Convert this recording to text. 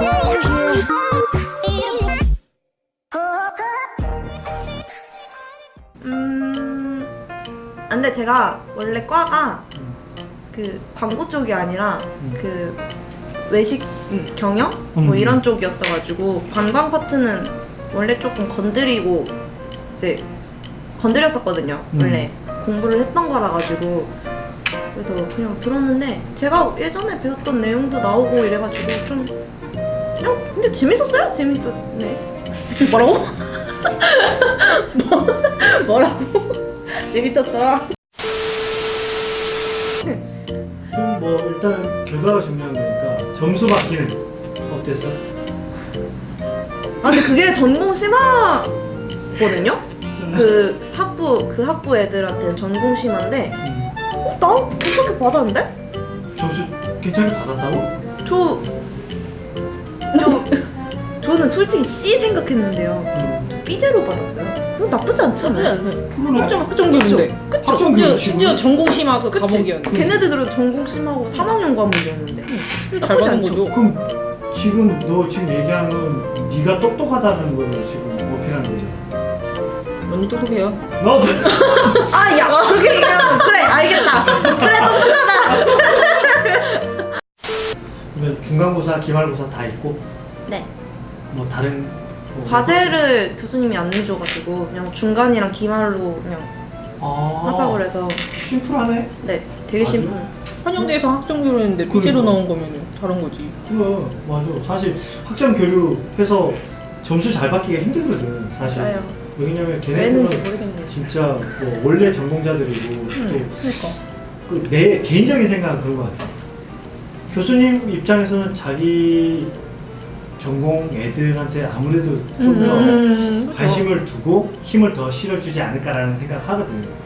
근데 제가 원래 과가 그 광고 쪽이 아니라 그 외식 경영? 뭐 이런 쪽이었어가지고 관광 파트는 원래 조금 건드리고 이제 건드렸었거든요. 원래 공부를 했던 거라 가지고 그래서 그냥 들었는데 제가 예전에 배웠던 내용도 나오고 이래가지고 좀 그냥 근데 재밌었어요? 재밌었네. 뭐라고? 뭐라고? 재밌었더라. 그럼 뭐 일단 결과가 중요한 거니까 점수 받기는 어땠어? 아 근데 그게 전공 심화거든요? 그 학부 애들한테는 전공 심화인데 나 괜찮게 받았는데? 점수 괜찮게 받았다고? 저는 솔직히 C 생각했는데요. B제로 받았어요. 나쁘지 않잖아요. 그러네. 학점교육인데. 그쵸? 심지어 전공 심화 그 그치? 과목이었는데. 걔네들은 전공 심하고 3학년 과목이었는데 잘 받은 거죠. 그럼 지금 너 지금 얘기한 건 네가 똑똑하다는 걸 지금 어필하는 거잖아. 언니 똑똑해요. 나도. 아 야 그렇게 얘기하면 그래 알겠다. 그래 똑똑하다. 그러면 중간고사, 기말고사 다 있고 네. 뭐 다른 뭐 과제를 교수님이 안 내줘가지고 그냥 중간이랑 기말로 그냥 하자고 그래서 심플하네. 네 되게 아주? 심플. 한영대에서 학점교육인데 B제로 나온 거면 잘한 거지. 그래 맞아. 사실 학점 교류해서 점수 잘 받기가 힘들거든 사실. 맞아요. 왜냐면 왜 했는지 걔네들은 모르겠네요. 진짜 뭐 원래 전공자들이고 그러니까. 또 그 내 개인적인 생각은 그런 것 같아. 교수님 입장에서는 자기 전공 애들한테 아무래도 좀 더 그쵸. 관심을 두고 힘을 더 실어주지 않을까라는 생각을 하거든.